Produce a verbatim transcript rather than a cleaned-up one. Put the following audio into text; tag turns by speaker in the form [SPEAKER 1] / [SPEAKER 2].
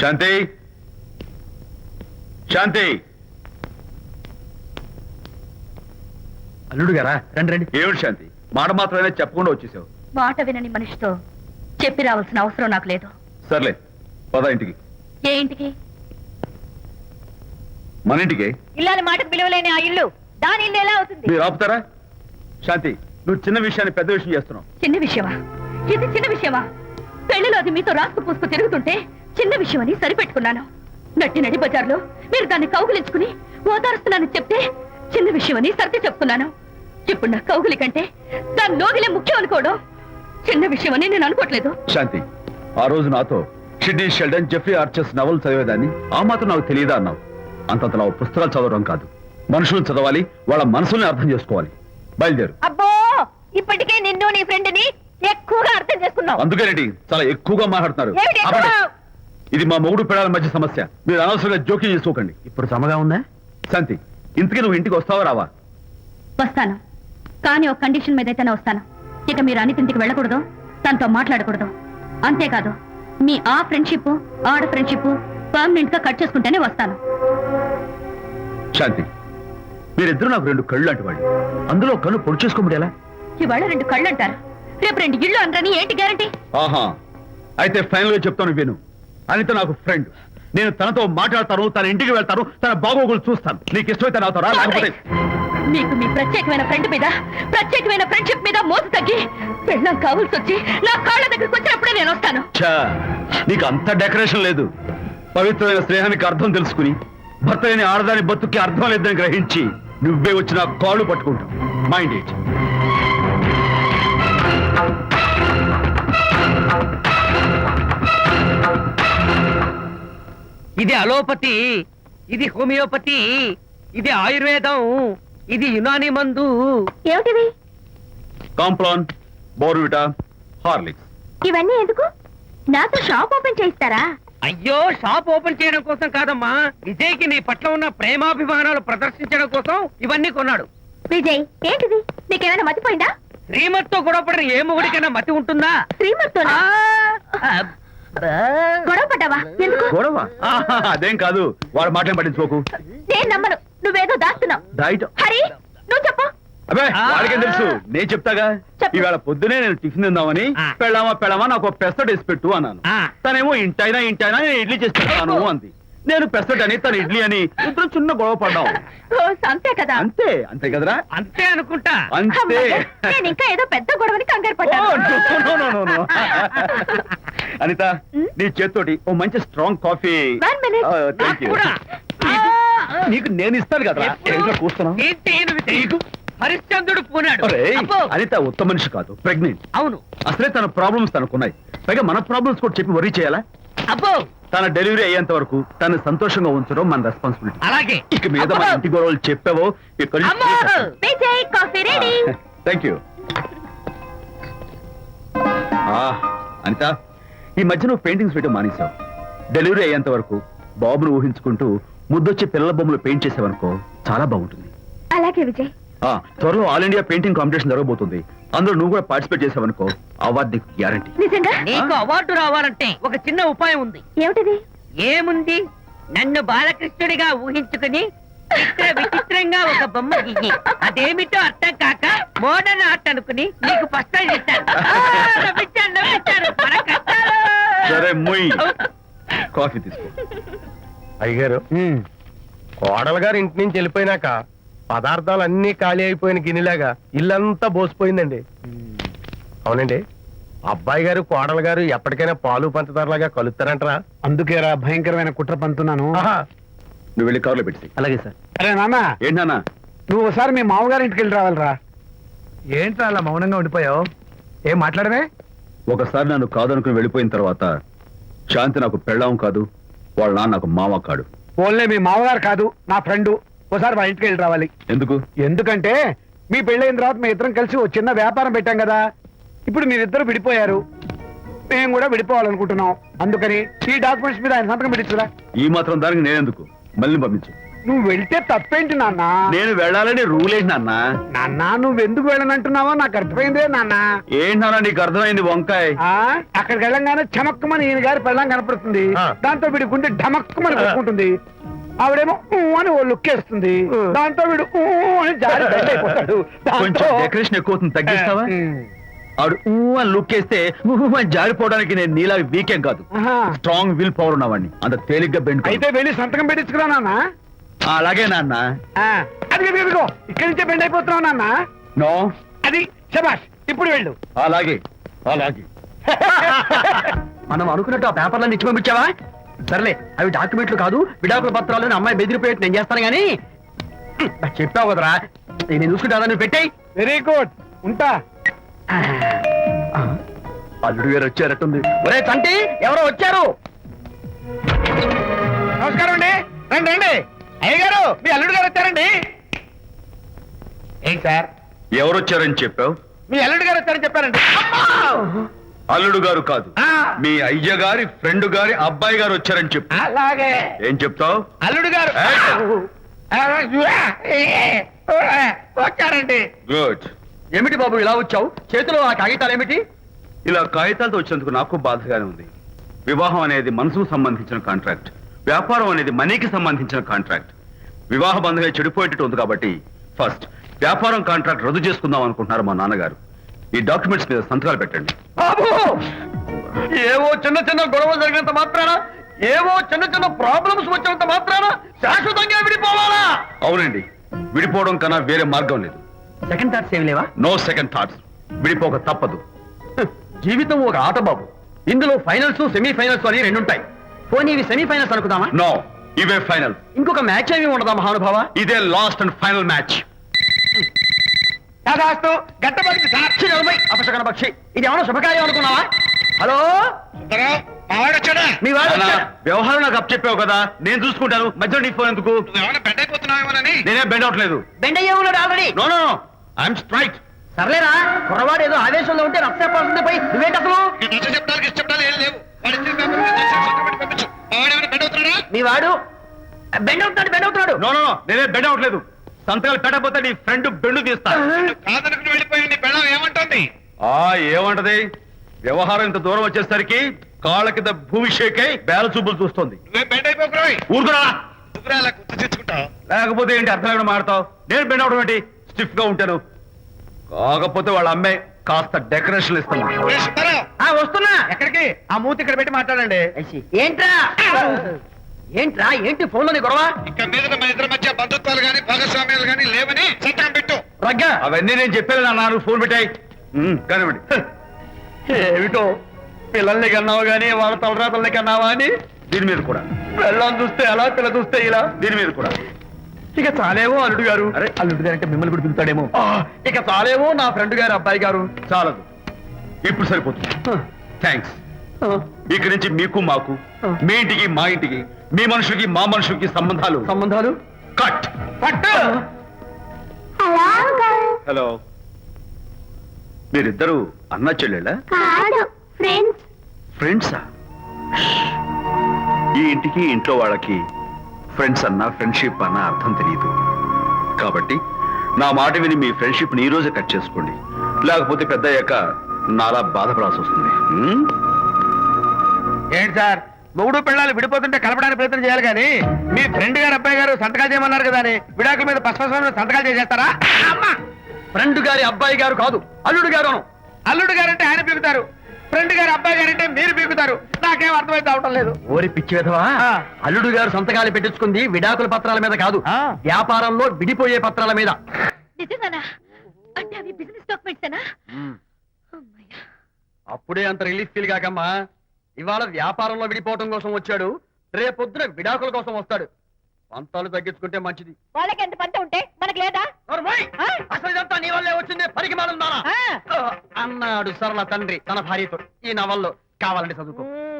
[SPEAKER 1] శాంతి శాంతి
[SPEAKER 2] అల్లుడు గారా రండి రండి.
[SPEAKER 1] ఏమిటి శాంతి, మాట మాత్రమే చెప్పకుండా వచ్చేసావు?
[SPEAKER 3] మాట వినని మనిషితో చెప్పి రావాల్సిన అవసరం నాకు లేదు.
[SPEAKER 1] సర్లే పద ఇంటికి.
[SPEAKER 3] ఏ ఇంటికి?
[SPEAKER 1] మన ఇంటికి.
[SPEAKER 3] ఇల్లాలి మాటకు విలువలేని ఆ ఇల్లు దాని ఇల్లు ఎలా అవుతుంది?
[SPEAKER 1] మీరు ఆపుతారా? శాంతి, నువ్వు చిన్న విషయాన్ని పెద్ద విషయం చేస్తున్నావు.
[SPEAKER 3] చిన్న విషయమా? ఇది చిన్న విషయమా? పెళ్లిలో అది మీతో రాసుకు పూసుకు తిరుగుతుంటే చిన్న విషయమని సరిపెట్టుకున్నాను. నట్టి నడి బజార్లో మీరు దాన్ని కౌగులించుకుని ఓదారుస్తున్నానని చెప్తే చిన్న విషయమని సర్ది చెప్తున్నాను. ఇప్పుడు నా కౌగులి కంటే దాని లోగిలే ముఖ్యం అనుకోవడం చిన్న విషయమని నేను అనుకోవట్లేదు.
[SPEAKER 1] శాంతి, ఆ రోజు నాతో షిడ్నీ షెల్డన్, జెఫ్రీ ఆర్చర్స్ నవలు చదివేదాన్ని ఆ మాత్రం నాకు తెలియదా అన్నావు. అంతంతలా పుస్తకాలు చదవడం కాదు, మనుషులను చదవాలి, వాళ్ళ మనసుల్ని అర్థం చేసుకోవాలి. బయలుదేరు.
[SPEAKER 3] అబ్బో, ఇప్పటికే నిన్ను నీ ఫ్రెండ్ ని ఎక్కువగా అర్థం చేసుకున్నావు.
[SPEAKER 1] అందుకేనండి చాలా ఎక్కువగా మాట్లాడుతున్నారు.
[SPEAKER 3] ఏమిటి ఎక్కువ?
[SPEAKER 1] ఆపండి. ఇది మా మొగుడు పిల్లల మధ్య సమస్య, మీరు అనవసరంగా జోక్యం చేసుకోకండి.
[SPEAKER 2] ఇప్పుడు సమగా ఉందా?
[SPEAKER 1] శాంతి, ఇంతకీ నువ్వు ఇంటికి వస్తావా రావా?
[SPEAKER 3] వస్తాను, కానీ ఒక కండిషన్ మీద అయితేనే వస్తాను. ఇక మీరు అనిత ఇంటికి వెళ్ళకూడదు, తనతో మాట్లాడకూడదు. అంతేకాదు, మీ ఆ ఫ్రెండ్షిప్ ఆడ ఫ్రెండ్షిప్ పర్మనెంట్ గా కట్ చేసుకుంటేనే వస్తాను.
[SPEAKER 1] శాంతి, మీరిద్దరు నాకు రెండు కళ్ళు లాంటి వాళ్ళు, అందులో కళ్ళు పొడి చేసుకోబడి ఎలా?
[SPEAKER 3] ఇవాళ రెండు కళ్ళు అంటారు, రేపు రెండు ఇళ్ళు అంటారని ఏంటి గ్యారంటీ?
[SPEAKER 1] ఆహా, అయితే ఫైనల్ గా చెప్తాను విను. అనిత నాకు ఫ్రెండ్, నేను తనతో మాట్లాడతాను, తన ఇంటికి వెళ్తాను, తన బాగోగులు చూస్తాను. నీకు ఇష్టమైతే నాతో రా, లేకపోతే
[SPEAKER 3] మీకు మీ ప్రత్యేకమైన ఫ్రెండ్ మీద ప్రత్యేకమైన ఫ్రెండ్షిప్ మీద మోసు తగ్గి పెళ్ళం కావాల్సి వచ్చి నా కాళ్ళ దగ్గరికి వచ్చినప్పుడే నేను వస్తాను.
[SPEAKER 1] ఛా, నీకు అంత డెకరేషన్ లేదు. పవిత్రమైన స్నేహానికి అర్థం తెలుసుకుని భర్త లేని ఆడదాని బతుక్కి అర్థం లేదని గ్రహించి నువ్వే వచ్చి నా కాళ్ళు పట్టుకుంటావు. Mind it.
[SPEAKER 4] ఇది అలోపతి, ఇది హోమియోపతి, ఇది ఆయుర్వేదం, ఇది యునాని మందు.
[SPEAKER 3] ఏమిటివి?
[SPEAKER 1] Complan, Bournvita, Horlicks.
[SPEAKER 3] ఇవన్నీ ఎందుకు? నాతో షాప్ ఓపెన్ చేయిస్తారా?
[SPEAKER 4] అయ్యో, షాప్ ఓపెన్ చేయడం కోసం కాదమ్మా, విజయ్కి నీ పట్ల ఉన్న ప్రేమాభిమానాలు ప్రదర్శించడం కోసం ఇవన్నీ కొన్నాడు.
[SPEAKER 3] విజయ్, ఏంటిది? నీకేమైనా మతిపోయిందా?
[SPEAKER 4] శ్రీమతితో గొడవపడిన ఏ మొగుడికైనా మతి ఉంటుందా?
[SPEAKER 3] శ్రీమతితో గొడవ పడ్డావా? ఎందుకు
[SPEAKER 1] గొడవ? ఆహా, అదేం కాదు, వాడు మాటలు పట్టించుకోకు.
[SPEAKER 3] నేను నమ్మను, నువ్వేదో దాస్తున్నావు.
[SPEAKER 1] డైట్.
[SPEAKER 3] హరి, నువ్వు చెప్పు.
[SPEAKER 1] అబ్బే, వాడికేం తెలుసు, నేను చెప్తాగా.
[SPEAKER 3] చెప్పు.
[SPEAKER 1] ఈవేళ పొద్దునే నేను టిఫిన్ తిందామని
[SPEAKER 4] ఆ.
[SPEAKER 1] పెళ్ళామా పెళ్ళామా నాకు పెసట్ వేసి పెట్టు అన్నాను.
[SPEAKER 4] ఆ.
[SPEAKER 1] తనేమో ఇంటైనా ఇంటైనా నేను ఇడ్లీ చేసి పెడతాను అంది. నేను పెసట్ అని తను ఇడ్లీ అని ఇద్దరు చిన్న గొడవ పడ్డాం.
[SPEAKER 3] ఓ, అంతే కదా?
[SPEAKER 1] అంతే అంతే కదరా?
[SPEAKER 4] అంతే అనుకుంటా.
[SPEAKER 1] అంతే.
[SPEAKER 3] అమ్మయ్య, నేను ఇంకా ఏదో పెద్ద గొడవని కంగారు
[SPEAKER 1] ఓ,
[SPEAKER 3] పడ్డాను.
[SPEAKER 1] no, no, no, no, no. Anitha, నీ చేత్తోటి ఓ మంచి strong coffee.
[SPEAKER 3] One minute.
[SPEAKER 1] Thank you.
[SPEAKER 4] కూడా.
[SPEAKER 1] నీకు నేను ఇస్తాను కదా.
[SPEAKER 4] ఎప్పుడు?
[SPEAKER 1] కూస్తున్నావు.
[SPEAKER 4] ఏంటి ఈయన విజయ్? హరిశ్చంద్రుడు పూనాడు.
[SPEAKER 1] ఒరేయ్,
[SPEAKER 4] అబ్బో.
[SPEAKER 1] అనిత ఉత్తమ మనిషి కాదు, ప్రెగ్నెంట్.
[SPEAKER 4] అవును.
[SPEAKER 1] అసలే తన ప్రాబ్లమ్స్ తనకున్నాయి, పైగా మన ప్రాబ్లమ్స్ కూడా చెప్పి వరీ చేయాలా?
[SPEAKER 4] అబ్బో,
[SPEAKER 1] తన డెలివరీ అయ్యేంత వరకు తను సంతోషంగా ఉంచడం మన రెస్పాన్సిబిలిటీ.
[SPEAKER 4] అలాగే.
[SPEAKER 1] ఇక మీద మన
[SPEAKER 4] అబ్బో.
[SPEAKER 1] ఇంటి గొడవలు చెప్పావో ఇక్కడ
[SPEAKER 4] అమ్మో.
[SPEAKER 3] Vijay, coffee ready.
[SPEAKER 1] Thank you. Anitha, ఈ మధ్య నువ్వు పెయింటింగ్స్ వేయడం మానేశావు. డెలివరీ అయ్యేంత వరకు బాబును ఊహించుకుంటూ ముద్దొచ్చి పిల్లల బొమ్మలు పెయింట్ చేసావనుకో చాలా బాగుంటుంది.
[SPEAKER 3] అలాగే విజయ్.
[SPEAKER 1] ఆ, త్వరలో ఆల్ ఇండియా పెయింటింగ్ కాంపిటీషన్ జరగబోతుంది. అందులో నువ్వు కూడా పార్టిసిపేట్ చేసావనుకో అవార్డు నీకు గ్యారంటీ.
[SPEAKER 3] నిజంగా?
[SPEAKER 4] నీకు అవార్డు రావాలంటే ఒక చిన్న ఉపాయం ఉంది.
[SPEAKER 3] ఏమిటిది?
[SPEAKER 4] ఏముంది, నన్ను బాలకృష్ణుడిగా ఊహించుకుని చిత్ర విచిత్రంగా ఒక బొమ్మ గీయి. అదేమిటో అర్థం కాక మోడర్న్ ఆర్ట్ అనుకుని నీకు ఫస్ట్ చేశాను. నవ్వించాను, నవ్వించాను. మన కష్టాలు.
[SPEAKER 1] సరే మొయ్, కాఫీ తీసుకో.
[SPEAKER 5] అయ్యగారు, కోడలు గారు ఇంటి నుంచి వెళ్ళిపోయినాక పదార్థాలు అన్ని ఖాళీ అయిపోయిన గిన్నెలాగా ఇల్లంతా బోసిపోయిందండి. అవునండి, అబ్బాయి గారు కోడలు గారు ఎప్పటికైనా పాలు పంచదారలాగా కలుస్తారంటరా?
[SPEAKER 2] అందుకేరా భయంకరమైన కుట్ర పంతున్నాను.
[SPEAKER 5] ఆహా,
[SPEAKER 1] నువ్వు వెళ్ళి కారులో పెట్టి.
[SPEAKER 2] అలాగే సార్. అరే నాన్న,
[SPEAKER 1] ఏంటి నాన్న?
[SPEAKER 2] నువ్వు ఒకసారి మీ మామగారి ఇంటికి వెళ్ళి రావాలిరా.
[SPEAKER 5] ఏంట్రా అలా మౌనంగా ఉండిపోయావు? ఏం మాట్లాడమే?
[SPEAKER 1] ఒకసారి నన్ను కాదనుకుని వెళ్ళిపోయిన తర్వాత శాంతి నాకు పెళ్ళాం కాదు, వాళ్ళ నాన్న నాకు మామ కాడు.
[SPEAKER 2] ఓన్లే మీ మామగారు కాదు, నా ఫ్రెండ్. ఒకసారి మా ఇంటికి వెళ్ళి రావాలి.
[SPEAKER 1] ఎందుకు?
[SPEAKER 2] ఎందుకంటే మీ పెళ్ళైన తర్వాత మీ ఇద్దరం కలిసి ఓ చిన్న వ్యాపారం పెట్టాం కదా. ఇప్పుడు మీరిద్దరు విడిపోయారు, మేము కూడా విడిపోవాలనుకుంటున్నాం. అందుకని ఈ డాక్యుమెంట్స్ మీద ఆయన సంతకం పెట్టించురా.
[SPEAKER 1] ఈ మాత్రం దానికి నేనెందుకు? మళ్ళీ పంపించు.
[SPEAKER 2] నువ్వు వెళ్తే తప్పేంటి నాన్న
[SPEAKER 1] నేను వెళ్ళాలని రూల్ ఏంటి నాన్న?
[SPEAKER 2] నాన్న నువ్వు ఎందుకు వెళ్ళనంటున్నావో నాకు అర్థమైందే నాన్న
[SPEAKER 1] ఏంటి నాన్న నీకు అర్థమైంది వంకాయ్?
[SPEAKER 2] ఆ అక్కడికి వెళ్ళంగానే చమక్కుమని ఈయన గారి పెళ్ళం కనపడుతుంది.
[SPEAKER 5] ఆ.
[SPEAKER 2] దాంతో వీడి గుండె ఢమక్కుమని కొట్టుకుంటుంది. ఆవిడేమో ఊ అని ఓ లుక్ వేస్తుంది. దాంతో వీడు ఊ అని జారి బెడ్ అయిపోతాడు.
[SPEAKER 1] కొంచెం
[SPEAKER 2] దాంతో-
[SPEAKER 1] డెకరేషన్ ఎక్కువ అవుతుంది, తగ్గిస్తావా?
[SPEAKER 2] ఉమ్.
[SPEAKER 1] ఆవిడ ఊ అని లుక్ వేస్తే ఊ అని జారిపోవడానికి నేను నీలా వీకెం కాదు,
[SPEAKER 2] ఆహా.
[SPEAKER 1] స్ట్రాంగ్ విల్ పవర్ ఉన్నవాడిని. అంత తేలిగ్గా బెండ్
[SPEAKER 2] అయితే వెళ్ళి సంతకం పెట్టించుకురా నాన్న.
[SPEAKER 1] అలాగే నాన్న.
[SPEAKER 2] ఆ, అది ఇదిగో ఇక్కడి నుంచే బెండ్ అయిపోతున్నావు నాన్న.
[SPEAKER 1] నో,
[SPEAKER 2] అది శబాష్, ఇప్పుడు వెళ్ళు.
[SPEAKER 1] అలాగే అలాగే.
[SPEAKER 6] మనం అనుకున్నట్టు ఆ పేపర్లను ఇచ్చి పంపించావా? సర్లే, అవి డాక్యుమెంట్లు కాదు, విడాకుల పత్రాలు. అమ్మాయి బెదిరిపోయేట్టు నేను చేస్తాను గానీ నాకు చెప్పావు కదరా, నేను చూసుకుంటా. నువ్వు పెట్టాయి.
[SPEAKER 2] వెరీ గుడ్, ఉంటా.
[SPEAKER 1] అల్లుడు గారు వచ్చారట్టుంది.
[SPEAKER 6] ఒరే తంటి, ఎవరో వచ్చారు.
[SPEAKER 2] నమస్కారం అండి. రండి రండి. అయ్య గారు, మీ అల్లుడు గారు వచ్చారండి. ఏంటి సార్,
[SPEAKER 1] ఎవరు వచ్చారని చెప్పావు?
[SPEAKER 2] మీ అల్లుడు గారు వచ్చారని చెప్పారండి.
[SPEAKER 1] అల్లుడు గారు కాదు,
[SPEAKER 2] ఆ.
[SPEAKER 1] మీ అయ్య గారి ఫ్రెండ్ గారి అబ్బాయి గారు వచ్చారని చెప్పు.
[SPEAKER 2] అలాగే
[SPEAKER 1] ఏం చెప్తావు?
[SPEAKER 2] అల్లుడు గారు వచ్చారండి.
[SPEAKER 1] గుడ్.
[SPEAKER 6] ఏమిటి బాబు ఇలా వచ్చావు? చేతిలో ఆ కాగితాలు ఏమిటి?
[SPEAKER 1] ఇలా కాగితాలతో వచ్చినందుకు నాకు బాధగానే ఉంది. వివాహం అనేది మనసుకు సంబంధించిన కాంట్రాక్ట్, వ్యాపారం అనేది మనీకి సంబంధించిన కాంట్రాక్ట్. వివాహ బంధంగా చెడిపోయేటట్టు ఉంది కాబట్టి ఫస్ట్ వ్యాపారం కాంట్రాక్ట్ రద్దు చేసుకుందాం అనుకుంటున్నారు మా నాన్నగారు. ఈ డాక్యుమెంట్స్ మీద సంతకాలు పెట్టండి.
[SPEAKER 6] బాబు, ఏవో చిన్న చిన్న గొడవలు జరిగినంత మాత్రాన, ఏవో చిన్న చిన్న ప్రాబ్లమ్స్ వచ్చినంత మాత్రాన శాశ్వతంగా విడిపోవాలా?
[SPEAKER 1] అవునండి, విడిపోవడం కన్నా వేరే మార్గం లేదు.
[SPEAKER 6] సెకండ్ థాట్స్ ఏమి లేవా?
[SPEAKER 1] No second thoughts. విడిపోక తప్పదు.
[SPEAKER 6] జీవితం ఒక ఆట బాబు, ఇందులో ఫైనల్స్ సెమీ ఫైనల్స్ అని రెండు ఉంటాయి. పోనీ ఇవి సెమీ ఫైనల్స్ అనుకుందామా?
[SPEAKER 1] నో, ఇవే ఫైనల్.
[SPEAKER 6] ఇంకొక మ్యాచ్ ఏమి ఉండదా మహానుభావ?
[SPEAKER 1] ఇదే లాస్ట్ అండ్ ఫైనల్ మ్యాచ్.
[SPEAKER 2] దాదాస్తు గట్టబడింది సార్.
[SPEAKER 6] ఛీ, నలభై అపశకన పక్షి, ఇది ఏమైనా శుభకార్యం అనుకున్నావా? హలో,
[SPEAKER 2] వచ్చాడా?
[SPEAKER 6] మీ వాడు
[SPEAKER 1] నాన్న,
[SPEAKER 6] వచ్చాడా?
[SPEAKER 1] వ్యవహారం నాకు అప్ చెప్పావు కదా, నేను చూసుకుంటాను. మధ్యలో నీ ఫోన్ ఎందుకు?
[SPEAKER 2] ఏమైనా బెడ్ అయిపోతున్నావేమోనని.
[SPEAKER 1] నేనే బెండ్ అవట్లేదు.
[SPEAKER 6] బెండ్ అయ్యే ఉన్నాడు already.
[SPEAKER 1] No no no, I'm straight.
[SPEAKER 6] సర్లేరా, కుర్రవాడు ఏదో ఆవేశంలో ఉంటే రక్త చెప్పాల్సింది పోయి నువ్వేంటి అసలు?
[SPEAKER 2] చెప్పడానికి ఇష్టపడాలి ఏం లేవు. వాడి ఇచ్చిన పేపర్ మీద దయచేసి సంతకం పెట్టి పంపించు. మా వాడు ఏమైనా బెడ్ అవుతున్నాడా?
[SPEAKER 6] మీ వాడు బెండ్ అవుతున్నాడు, బెండ్ అవుతున్నాడు.
[SPEAKER 1] నో నో నో, నేనే బెండ్ అవట్లేదు. సంతకాలు పెట్టకపోతే నీ ఫ్రెండ్ బెండు తీస్తా.
[SPEAKER 2] కాదనుకుని వెళ్ళిపోయి నీ పెళ్ళం ఏమంటుంది?
[SPEAKER 1] ఆ ఏమంటది? వ్యవహారం ఇంత దూరం వచ్చేసరికి కాళ్ళ కింద భూమిషేకై బేల చూపులు చూస్తుంది.
[SPEAKER 2] నువ్వే బెడ్ అయిపోకురాయి.
[SPEAKER 1] ఊరుకురా.
[SPEAKER 2] నువ్వురా అలా గుర్తు తెచ్చుకుంటావు.
[SPEAKER 1] లేకపోతే ఏంటి అర్థం లేకుండా మాడతావు? నేను బెండ్ అవడం ఏంటి? స్టిఫ్ గా ఉంటాను. కాకపోతే వాళ్ళ అమ్మాయి కాస్త డెకరేషన్ ఇస్తాను.
[SPEAKER 2] ఏ సుబ్బారావు,
[SPEAKER 6] ఆ, వస్తున్నా.
[SPEAKER 2] ఎక్కడికి? ఆ మూతి ఇక్కడ పెట్టి మాట్లాడండి.
[SPEAKER 6] ఏంట్రా ఏంట్రా ఏంటి ఫోన్ లోని గొడవ?
[SPEAKER 2] ఇక మీద మన ఇద్దరి మధ్య బంధుత్వాలు గాని భాగస్వామ్యాలు గాని లేవని సంతకం పెట్టు.
[SPEAKER 6] రగ్గా
[SPEAKER 1] అవన్నీ నేను చెప్పాను నాన్న, ఫోన్ పెట్టాయి. కానివ్వండి.
[SPEAKER 6] ఏమిటో పిల్లల్ని కన్నావు గానీ వాళ్ళ తలరాతల్ని కన్నావా అని.
[SPEAKER 1] దీని మీద కూడా,
[SPEAKER 6] పిల్లల్ని చూస్తే అలా, పిల్ల చూస్తే ఇలా.
[SPEAKER 1] దీని మీద కూడా.
[SPEAKER 6] ఇక చాలేమో అల్లుడు గారు.
[SPEAKER 1] అరే,
[SPEAKER 6] అల్లుడు గారు అంటే మిమ్మల్ని కూడా పిలుతాడేమో. ఆ, ఇక చాలేమో నా ఫ్రెండ్ గారు అబ్బాయి గారు.
[SPEAKER 1] చాలదు, ఇప్పుడు సరిపోతుంది. థ్యాంక్స్.
[SPEAKER 6] ఆ,
[SPEAKER 1] ఇక్కడి నుంచి మీకు మాకు, మీ ఇంటికి మా ఇంటికి, మీ మనుషులకి మా మనుషులకి సంబంధాలు
[SPEAKER 6] సంబంధాలు
[SPEAKER 1] కట్.
[SPEAKER 6] పట్టు.
[SPEAKER 1] హలో, మీరిద్దరు అన్నా చెల్లెళ్ళా?
[SPEAKER 3] కాదు ఫ్రెండ్స్.
[SPEAKER 1] ఫ్రెండ్సా? ఈ ఇంటికి ఇంట్లో వాళ్ళకి ఫ్రెండ్స్ అన్న ఫ్రెండ్షిప్ అన్న అర్థం తెలియదు. కాబట్టి నా మాట విని మీ ఫ్రెండ్షిప్ ని ఈ రోజే కట్ చేసుకోండి, లేకపోతే పెద్ద అయ్యాక నాలా బాధపడాల్సి వస్తుంది. హ్మ్?
[SPEAKER 2] ఏంటి సార్, మొగుడు పిల్లలు విడిపోతుంటే కలపడానికి ప్రయత్నం చేయాలి కానీ మీ ఫ్రెండ్ గారు అబ్బాయి గారు సంతకాలు చేయమన్నారు కదా అని విడాకుల మీద పశ్చిమ సంతకాలు చేసేస్తారా? అమ్మా,
[SPEAKER 6] ఫ్రెండ్ గారి అబ్బాయి గారు కాదు, అల్లుడు గారు.
[SPEAKER 2] అల్లుడు గారంటే ఆయన పీకుతారు, ఫ్రెండ్ గారు అబ్బాయి గారంటే మీరు పీకుతారు. నాకేం అర్థమైతే అవటం లేదు.
[SPEAKER 6] ఓరి పిచ్చి విధవా,
[SPEAKER 2] ఆ.
[SPEAKER 6] అల్లుడు గారు సంతకాలు పెట్టించుకుంది విడాకుల పత్రాల మీద కాదు,
[SPEAKER 2] ఆ.
[SPEAKER 6] వ్యాపారంలో విడిపోయే పత్రాల మీద.
[SPEAKER 3] నిజంగానా? అంటే అవి బిజినెస్ డాక్యుమెంట్సేనా? అమ్మయ్యా.
[SPEAKER 6] అప్పుడే అంత రిలీఫ్ ఫీల్ కాకమ్మా. ఇవాళ వ్యాపారంలో విడిపోవటం కోసం వచ్చాడు, రేపొద్దున విడాకుల కోసం వస్తాడు. పంతాలు తగ్గించుకుంటే మంచిది.
[SPEAKER 3] వాళ్ళకి ఎంత పంట ఉంటే మనకు లేదా?
[SPEAKER 6] నోర్మోయ్!
[SPEAKER 3] ఆ?
[SPEAKER 6] అసలు ఇదంతా నీ వల్లే వచ్చింది, పరికి మాలం దానా?
[SPEAKER 3] ఆ.
[SPEAKER 6] అన్నాడు సరళ తండ్రి తన భార్యతో. ఈ నవల్లో కావాలంటే చదువుకో.
[SPEAKER 3] మ్మ్.